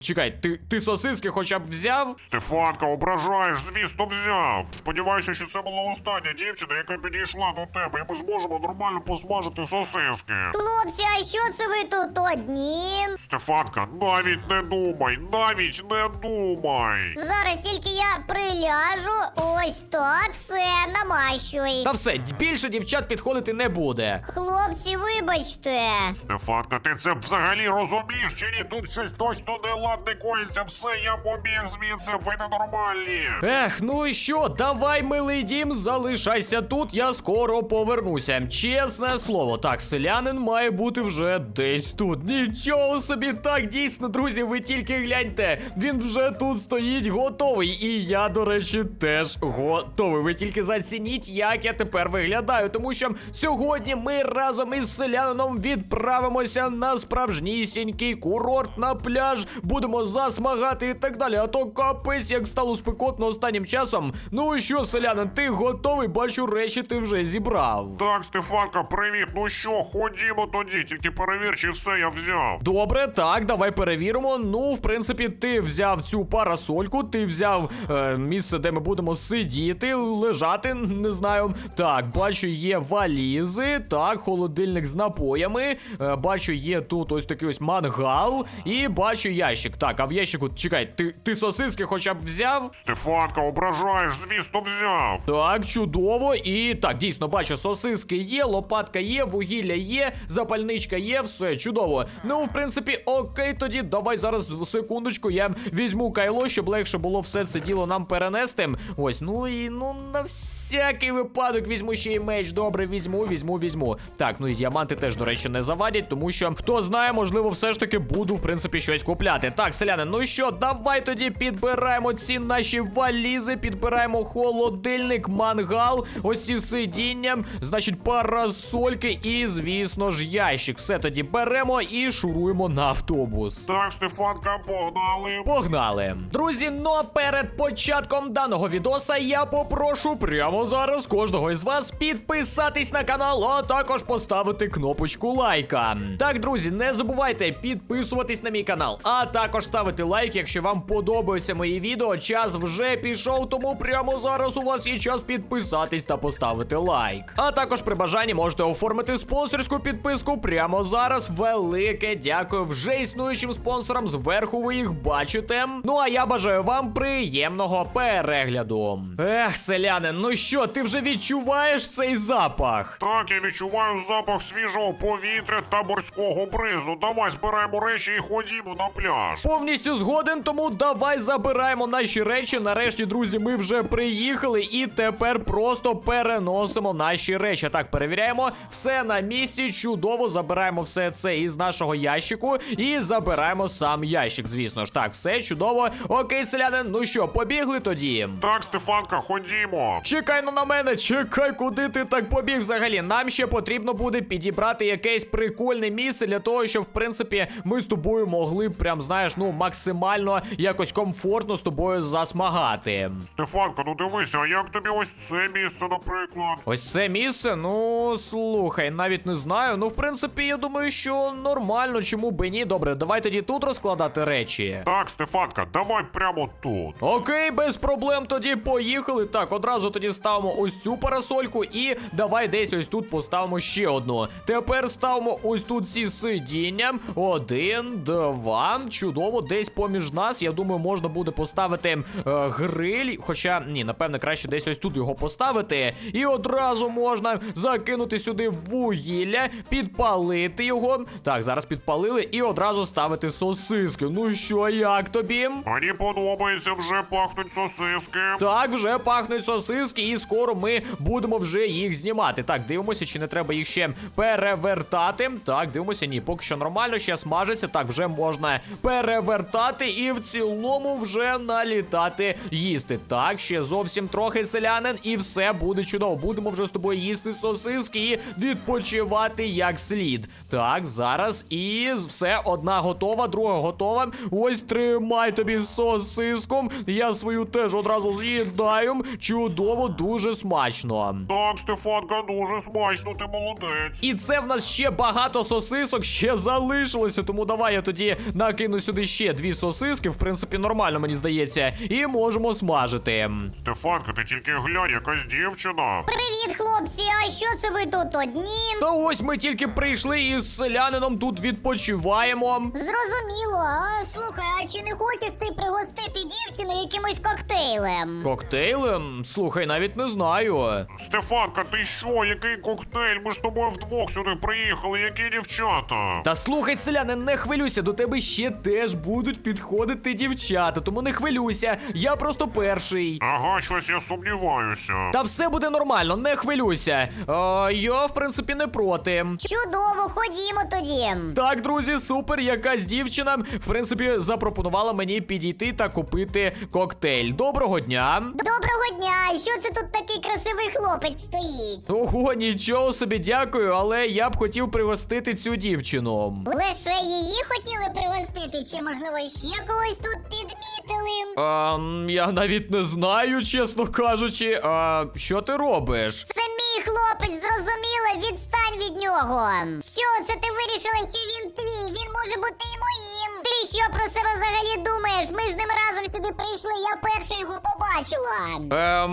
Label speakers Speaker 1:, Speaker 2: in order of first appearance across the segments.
Speaker 1: чекай, ти сосиски хоча б взяв?
Speaker 2: Стефанка, ображаєш, звісно, взяв. Сподіваюся, що це була остання дівчина, яка підійшла до тебе, і ми зможемо нормально посмажити сосиски.
Speaker 3: Хлопці, а що це ви тут одні?
Speaker 2: Стефанка, навіть не думай, навіть не думай.
Speaker 3: Зараз тільки я приляжу, ось так, все, намащуй.
Speaker 1: Та все, більше дівчат підходити не буде.
Speaker 3: Хлопці, вибачте.
Speaker 2: Стефанка, ти це взагалі розумієш чи ні? Тут щось точно неладне коїться. Все, я побіг звідси, ви ненормальні.
Speaker 1: Ех, ну і що, давай, милий дім, залишайся тут, я скоро повернуся. Чесне слово. Так, селянин має бути вже десь тут. Нічого собі, так, дійсно, друзі, ви тільки гляньте. Він вже тут стоїть готовий. І я, до речі, теж готовий. Ви тільки зацініть, як я тепер виглядаю. Тому що сьогодні ми разом із селянином відправимося на справжнісінький курорт, на пляж. Будемо засмагати і так далі. А то капець, як стало спекотно останнім часом. Ну і що, селянин, ти готовий? Бачу, речі ти вже зібрав.
Speaker 2: Так, Стефанка, привіт. Ну що, ходімо тоді, тільки перевір, чи все я взяв.
Speaker 1: Добре, так, давай перевіримо. Ну, в принципі, ти взяв цю парасольку, ти взяв місце, де ми будемо сидіти, лежати, не знаю. Так, бачу, є валізи, так, холодильник з напоями. Бачу, є тут ось такий ось мангал. І бачу ящик. Так, а в ящику, чекай, ти сосиски хоча б взяв?
Speaker 2: Стефанка, ображаєш, звісно, взяв.
Speaker 1: Так, чудово. І так, дійсно, бачу, сосиски є, лопатка є, вугілля є, запальничка є, все, чудово. Ну, в принципі, окей, тоді давай зараз, секундочку, я візьму кайло, щоб легше було все це діло нам перенести. Ось, ну і, ну, на всякий випадок візьму ще й меч. Добре, візьму. Так, ну і діаманти теж, до речі, не завадять, тому що, хто знає, можливо, все ж таки буду, в принципі, щось купляти. Так, селяни, ну що, давай тоді підбираємо ці наші валізи, підбираємо холодильник, мангал, ось ці сидіння, значить, парасольки і, звісно ж, ящик. Все тоді беремо і шуруємо на автобус.
Speaker 2: Так, Стефанка, погнали.
Speaker 1: Погнали! Друзі, ну а перед початком даного відоса я попрошу прямо зараз кожного із вас підписатись на канал, а також поставити кнопочку лайка. Так, друзі, не забувайте підписуватись на мій канал, а також ставити лайк, якщо вам подобаються мої відео. Час вже пішов, тому прямо зараз у вас є час підписатись та поставити лайк. А також при бажанні можете оформити спонсорську підписку прямо зараз. Велике дякую вже існуючим спонсорам, зверху ви їх бачите. Ну а я бажаю вам приємного перегляду. Ех, селянин, ну що, ти вже відчуваєш цей запах?
Speaker 2: Так, я відчуваю запах свіжого повітря та морського бризу. Давай збираємо речі і ходімо на пляж.
Speaker 1: Повністю згоден, тому давай забираємо наші речі. Нарешті, друзі, ми вже приїхали і тепер просто переносимо наші речі. Так, перевіряємо, все на місці, чудово, забираємо все це із нашого ящику і забираємо сам ящик, звісно ж. Так, все чудово. Окей, селянин, ну що, побігли тоді?
Speaker 2: Так, Стефанка, ходімо.
Speaker 1: Чекай ну на мене, чекай, куди ти так побіг взагалі? Нам ще потрібно буде підібрати якесь прикольне місце для того, щоб, в принципі, ми з тобою могли прям, знаєш, ну, максимально якось комфортно з тобою засмагати.
Speaker 2: Стефанка, ну дивися, а як тобі ось це місце, наприклад?
Speaker 1: Ось це місце? Ну, слухай, навіть не знаю. Ну, в принципі, я думаю, що нормально, чому би ні. Добре, давай тоді тут розкладати речі.
Speaker 2: Так, Стефанка, давай прямо тут.
Speaker 1: Окей, без проблем, тоді поїхали. Так, одразу тоді ставимо ось цю парасольку і давай десь ось тут поставимо ще одну. Тепер ставимо ось тут ці сидіння. 1, 2, чудово, десь поміж нас, я думаю, можна буде поставити гриль. Хоча, ні, напевно, краще десь ось тут його поставити. І одразу можна закинути сюди вугілля, підпалити його. Так, зараз підпалили і одразу ставити сосиски. Ну що, як тобі?
Speaker 2: Мені подобається, вже пахнуть сосиски.
Speaker 1: Так, вже пахнуть сосиски, і скоро ми будемо вже їх знімати. Так, дивимося, чи не треба їх ще перевертати. Так, дивимося, ні, поки що нормально, ще смажиться. Так, вже можна перевертати і в цілому вже налітати їсти. Так, ще зовсім трохи, селянин, і все буде чудово. Будемо вже з тобою їсти сосиски і відпочивати як слід. Так, зараз і все, одна готова, друга готова. Ось, тримай тобі сосиску. Я свою теж одразу з'їдаю. Чудово, дуже смачно.
Speaker 2: Так, Стефанка, дуже смачно, ти молодець.
Speaker 1: І це в нас ще багато сосисок ще залишилося, тому давай я тоді накину сюди сюди ще 2 сосиски, в принципі, нормально, мені здається, і можемо смажити.
Speaker 2: Стефанка, ти тільки глянь, якась дівчина.
Speaker 3: Привіт, хлопці, а що це ви тут одні?
Speaker 1: Та ось ми тільки прийшли і з селянином тут відпочиваємо.
Speaker 3: Зрозуміло. А слухай, а чи не хочеш ти пригостити дівчину якимось коктейлем?
Speaker 1: Коктейлем? Слухай, навіть не знаю.
Speaker 2: Стефанка, ти що? Який коктейль? Ми ж з тобою вдвох сюди приїхали, які дівчата?
Speaker 1: Та слухай, селянин, не хвилюйся, до тебе ще теж будуть підходити дівчата, тому не хвилюйся, я просто перший.
Speaker 2: Ага, щось я сумніваюся.
Speaker 1: Та все буде нормально, не хвилюйся. Я, в принципі, не проти.
Speaker 3: Чудово, ходімо тоді.
Speaker 1: Так, друзі, супер, якась дівчина, в принципі, запропонувала мені підійти та купити коктейль. Доброго дня.
Speaker 3: Доброго дня! Що це тут такий красивий хлопець стоїть?
Speaker 1: Ого, нічого собі, дякую, але я б хотів пригостити цю дівчину.
Speaker 3: Лише її хотіли пригостити, чи можливо ще когось тут підмітили?
Speaker 1: Я навіть не знаю, чесно кажучи. Що ти робиш?
Speaker 3: Це мій хлопець, зрозуміло, відстань від нього. Що це ти вирішила, що він твій? Він може бути і моїм. Ти що про себе взагалі думаєш? Ми з ним разом сюди прийшли, я перша його побачила.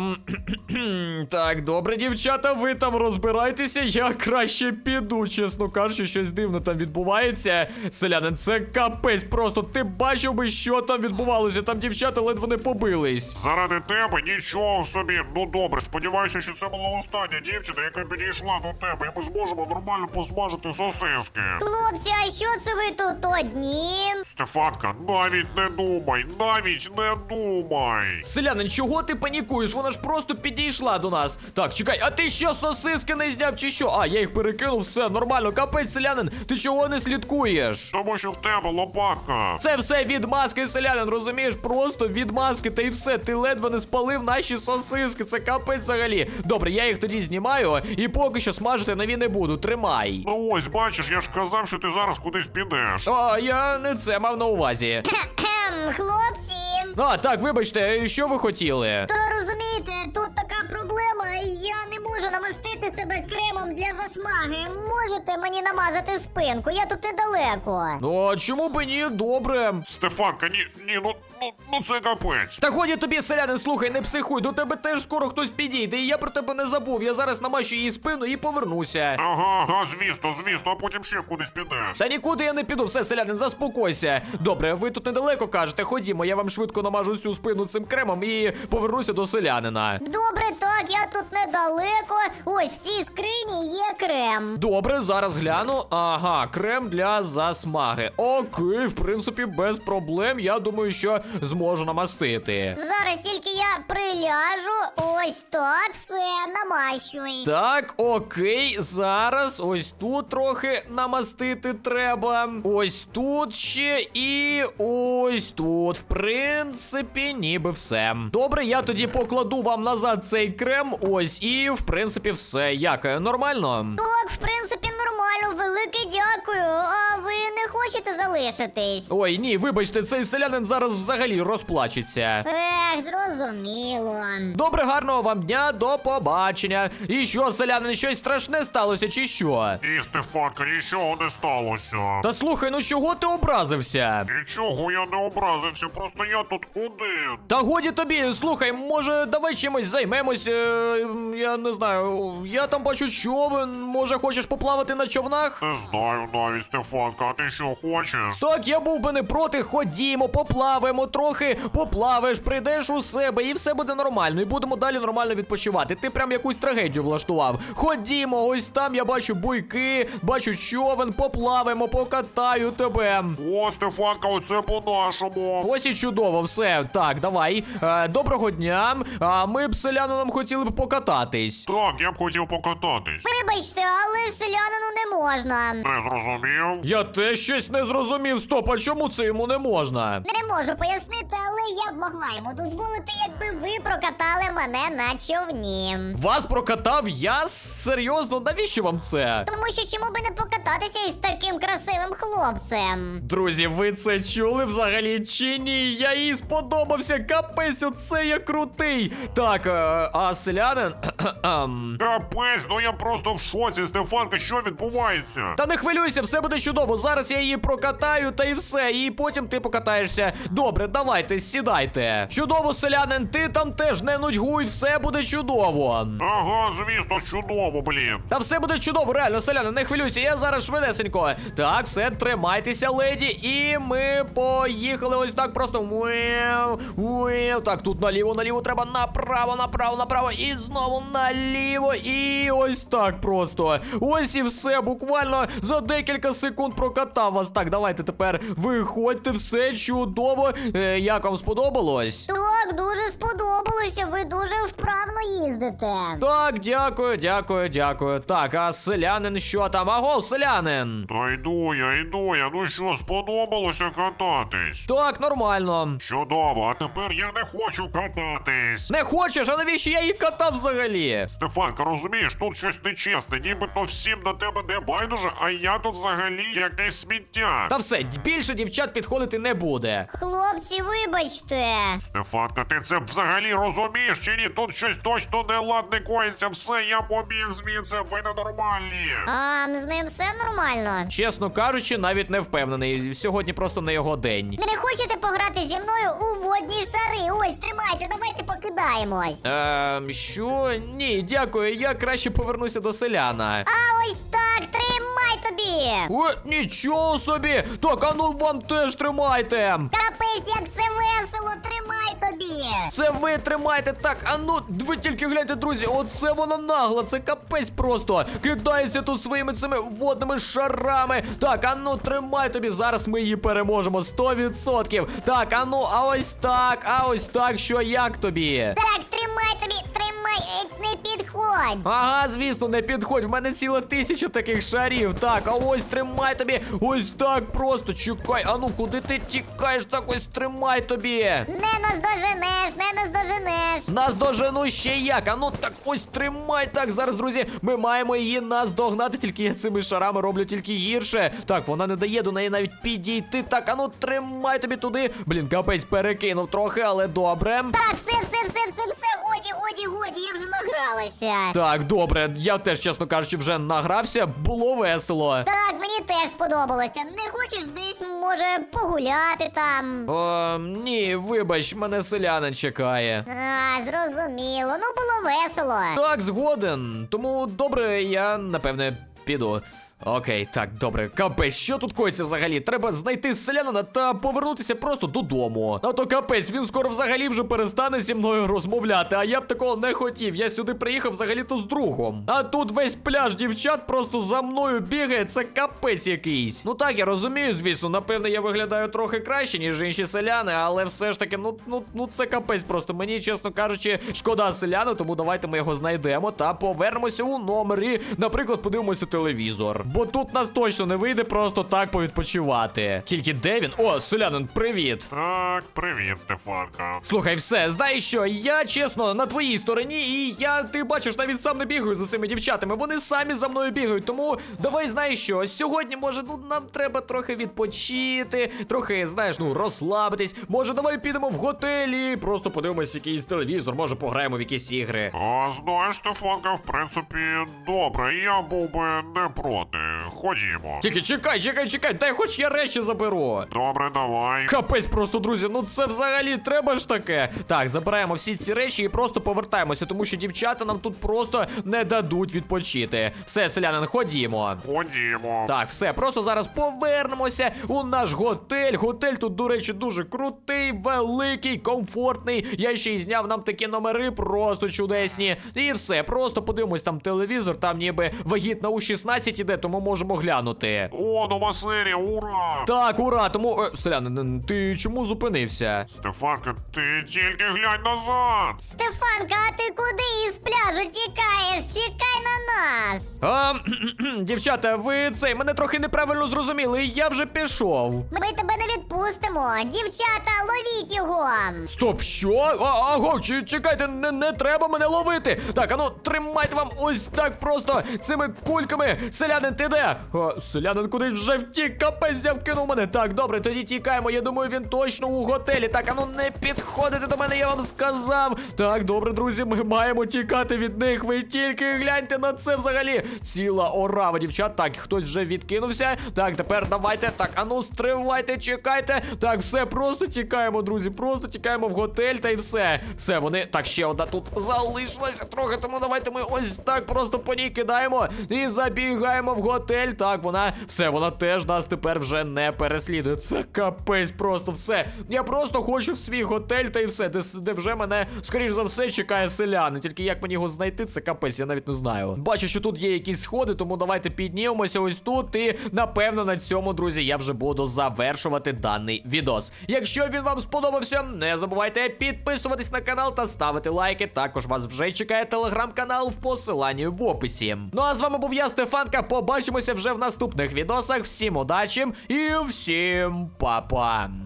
Speaker 1: Так, добре, дівчата, ви там розбирайтеся, я краще піду, чесно кажучи, щось дивне там відбувається. Селянин, це капець просто, ти бачив би, що там відбувалося, там дівчата ледве не побились.
Speaker 2: Заради тебе нічого собі. Ну добре, сподіваюся, що це була остання дівчина, яка підійшла до тебе, і ми зможемо нормально посмажити сосиски.
Speaker 3: Хлопці, а що це ви тут одні?
Speaker 2: Стефанка, навіть не думай, навіть не думай.
Speaker 1: Селянин, чого ти панікуєш? Вона ж просто підійшла до нас. Так, чекай, а ти що, сосиски не зняв чи що? Я їх перекинув, все, нормально, капець, селянин, ти чого не слідкуєш?
Speaker 2: Тому що в тебе лопатка.
Speaker 1: Це все від маски, селянин, розумієш? Просто від маски, та й все. Ти ледве не спалив наші сосиски. Це капець взагалі. Добре, я їх тоді знімаю і поки що смажити нові не буду. Тримай.
Speaker 2: Ну ось, бачиш, я ж казав, що ти зараз кудись підеш.
Speaker 1: Я не це мав на увазі.
Speaker 3: Хлопці.
Speaker 1: Так, вибачте, що ви хотіли?
Speaker 3: Та розумієте, тут така проблема, я не можу намастити себе кремом для засмаги. Можете мені намазати спинку, я тут недалеко.
Speaker 1: Чому б і ні? Добре.
Speaker 2: Стефанка, ні, ну це капець.
Speaker 1: Та годі тобі, селянин, слухай, не психуй, до тебе теж скоро хтось підійде, і я про тебе не забув. Я зараз намащу її спину і повернуся.
Speaker 2: Ага, звісно, а потім ще кудись підеш.
Speaker 1: Та нікуди я не піду, все, селянин, заспокойся. Добре, ви тут недалеко кажете, ходімо, я вам швидко намажу всю спину цим кремом і повернуся до селянина.
Speaker 3: Добре, так, я тут недалеко. Ось в цій скрині є крем.
Speaker 1: Добре, зараз гляну. Ага, крем для засмаги. Окей, в принципі, без проблем. Я думаю, що зможу намастити.
Speaker 3: Зараз тільки я приляжу. Ось так, все, намащуй.
Speaker 1: Так, окей, зараз ось тут трохи намастити треба. Ось тут ще і ось тут. В принципі, ніби все. Добре, я тоді покладу вам назад цей крем. Ось, і в принципі все. Як, нормально?
Speaker 3: Так, в принципі, нормально, велике дякую. А ви не хочете залишитись?
Speaker 1: Ой, ні, вибачте, цей селянин зараз взагалі розплачеться.
Speaker 3: Зрозуміло.
Speaker 1: Добре, гарного вам дня, до побачення. І що, селянин, щось страшне сталося, чи що?
Speaker 2: Ні, Стефанка, нічого не сталося.
Speaker 1: Та слухай, ну чого ти образився?
Speaker 2: Нічого, я не образився, просто я тут один.
Speaker 1: Та годі тобі, слухай, може, давай чимось займемось, я не знаю, я там бачу човен, може хочеш поплавати на човнах?
Speaker 2: Не знаю навіть, Стефанка, а ти що хочеш?
Speaker 1: Так, я був би не проти, ходімо, поплаваємо трохи, поплаваєш, прийдеш у себе і все буде нормально, і будемо далі нормально відпочивати. Ти прям якусь трагедію влаштував. Ходімо, ось там я бачу буйки, бачу човен, поплаваємо, покатаю тебе.
Speaker 2: О, Стефанка, оце по-нашому.
Speaker 1: Ось і чудово, все. Так, давай. Доброго дня. Ми б з селянином хотіли б покататись.
Speaker 2: Так, я б хотів покататись.
Speaker 3: Вибачте, але селянину не можна.
Speaker 2: Не зрозумів?
Speaker 1: Я теж щось не зрозумів. Стоп, а чому це йому не можна?
Speaker 3: Не можу пояснити, але я б могла йому дозволити, якби ви прокатали мене на човні.
Speaker 1: Вас прокатав я? Серйозно? Навіщо вам це?
Speaker 3: Тому що чому би не покататися із таким красивим хлопцем?
Speaker 1: Друзі, ви це чули взагалі чи ні? Я їй сподобався. Капець, оце я крутий. Так, а селянин?
Speaker 2: Капець, ну я просто в шоці, Стефанка, що відбувається?
Speaker 1: Та не хвилюйся, все буде чудово. Зараз я її її прокатаю, та і все. І потім ти покатаєшся. Добре, давайте, сідайте. Чудово, селянин, ти там теж не нудьгуй, все буде чудово.
Speaker 2: Ага, звісно, чудово, блін.
Speaker 1: Та все буде чудово, реально, селяни, не хвилюйся, я зараз швидесенько. Так, все, тримайтеся, леді, і ми поїхали ось так просто. Так, тут наліво треба, направо, і знову наліво, і ось так просто. Ось і все, буквально за декілька секунд прокатав вас. Так, давайте тепер виходьте, все чудово. Як вам сподобалось?
Speaker 3: Так, дуже сподобалося, ви дуже вправно їздите.
Speaker 1: Так, дякую. Так, а селянин що там? Аго, селянин!
Speaker 2: Та йду я. Ну що, сподобалося кататись?
Speaker 1: Так, нормально.
Speaker 2: Чудово, а тепер я не хочу кататись.
Speaker 1: Не хочеш, а навіщо я її катав взагалі?
Speaker 2: Стефанка, розумієш, тут щось нечесне, нібито всім на тебе не байдуже, а я тут взагалі якесь сміття.
Speaker 1: Та все, більше дівчат підходити не буде.
Speaker 3: Хлопці, вибачте.
Speaker 2: Стефанка, ти це взагалі розумієш чи ні? Тут щось точно неладне коїться, все, я побіг звідси, ви ненормальні.
Speaker 3: А з ним все нормально?
Speaker 1: Чесно кажучи, навіть не впевнений. Сьогодні просто не його день.
Speaker 3: Ви не хочете пограти зі мною у водні шари? Ось, тримайте, давайте покидаємось.
Speaker 1: Що? Ні, дякую, я краще повернуся до селяна.
Speaker 3: А ось так, тримай тобі.
Speaker 1: О, нічого собі! Так, а ну вам теж тримайте!
Speaker 3: Капець, як це весело, тримай тобі.
Speaker 1: Це ви тримайте, так, а ну, ви тільки гляньте, друзі, оце вона нагла, це капець просто. Кидається тут своїми цими водними шарами. Так, а ну, тримай тобі, зараз ми її переможемо, 100%. Так, а ну, а ось так, що як тобі?
Speaker 3: Так, тримай тобі, тримай, не підходь.
Speaker 1: Ага, звісно, не підходь, в мене ціла 1000 таких шарів. Так, а ось тримай тобі, ось так просто, чекай, а ну, куди ти тікаєш, так ось тримай тобі.
Speaker 3: Не наздоженеш.
Speaker 1: Наздожену ще як, а ну так ось тримай, так, зараз, друзі, ми маємо її наздогнати, тільки я цими шарами роблю тільки гірше. Так, вона не дає до неї навіть підійти, так, а ну тримай тобі туди. Блін, капець перекинув трохи, але добре.
Speaker 3: Так, все, годі, я вже награлася.
Speaker 1: Так, добре, я теж, чесно кажучи, вже награвся, було весело.
Speaker 3: Так, мені теж сподобалося. Не хочеш десь, може, погуляти там?
Speaker 1: О, ні, вибач, мене селянин чекає.
Speaker 3: А, зрозуміло. Ну, було весело.
Speaker 1: Так, згоден. Тому добре, я напевне піду. Окей, так, добре. Капець, що тут коїться взагалі? Треба знайти селянина та повернутися просто додому. А то капець, він скоро взагалі вже перестане зі мною розмовляти, а я б такого не хотів. Я сюди приїхав взагалі-то з другом. А тут весь пляж дівчат просто за мною бігає, це капець якийсь. Ну так, я розумію, звісно, напевне, я виглядаю трохи краще, ніж інші селяни, але все ж таки, ну це капець просто. Мені, чесно кажучи, шкода селяна, тому давайте ми його знайдемо та повернемося у номер і, наприклад, подивимося телевізор. Бо тут нас точно не вийде просто так повідпочивати. Тільки де він? О, селянин, привіт.
Speaker 2: Так, привіт, Стефанка.
Speaker 1: Слухай, все, знаєш що, я, чесно, на твоїй стороні, і ти бачиш, навіть сам не бігаю за цими дівчатами, вони самі за мною бігають, тому давай, знаєш що, сьогодні, може, нам треба трохи відпочити, трохи, знаєш, розслабитись, може, давай підемо в готелі, просто подивимось якийсь телевізор, може, пограємо в якісь ігри.
Speaker 2: А знаєш, Стефанка, в принципі, добре, я був би не проти. Ходімо.
Speaker 1: Тільки чекай, дай хоч я речі заберу.
Speaker 2: Добре, давай.
Speaker 1: Капець просто, друзі, ну це взагалі треба ж таке. Так, забираємо всі ці речі і просто повертаємося, тому що дівчата нам тут просто не дадуть відпочити. Все, селянин, ходімо.
Speaker 2: Ходімо.
Speaker 1: Так, все, просто зараз повернемося у наш готель. Готель тут, до речі, дуже крутий, великий, комфортний. Я ще й зняв нам такі номери, просто чудесні. І все, просто подивимось там телевізор, там ніби вагітна у 16 іде, тому можемо глянути.
Speaker 2: О, нова серія, ура!
Speaker 1: Так, ура, тому... селянин, ти чому зупинився?
Speaker 2: Стефанка, ти тільки глянь назад!
Speaker 3: Стефанка, а ти куди із пляжу тікаєш? Чекай на нас.
Speaker 1: Дівчата, ви мене трохи неправильно зрозуміли, я вже пішов.
Speaker 3: Ми тебе не відпустимо. Дівчата, ловіть його.
Speaker 1: Стоп, що? Аго, чекайте, не треба мене ловити. Так, ану, тримайте вам ось так просто цими кульками. Селянин, ти де? Селянин кудись вже втік, капець вкинув мене. Так, добре, тоді тікаємо. Я думаю, він точно у готелі. Так, ану не підходите до мене, я вам сказав. Так, добре, друзі, ми маємо тікати від них. Ви тільки гляньте на це взагалі. Ціла орава, дівчат. Так, хтось вже відкинувся. Так, тепер давайте. Так, ану, стривайте, чекайте. Так, все, просто тікаємо, друзі. Просто тікаємо в готель та й все. Все, вони. Так, ще одна тут залишилася трохи, тому давайте ми ось так просто по ній кидаємо і забігаємо в готель. Так, вона. Все, вона теж нас тепер вже не переслідує. Це капець, просто все. Я просто хочу в свій готель та й все, де вже мене, скоріш за все, чекає селяни. Тільки як мені його знайти, це капець, я навіть не знаю. Бачу, що тут є якісь сходи, тому давайте піднімемося ось тут. І напевно на цьому, друзі, я вже буду завершувати даний відос. Якщо він вам сподобався, не забувайте підписуватись на канал та ставити лайки. Також вас вже чекає телеграм-канал в посиланні в описі. Ну а з вами був я, Стефанка. Побачимося вже в наступних відосах. Всім удачі і всім па-па!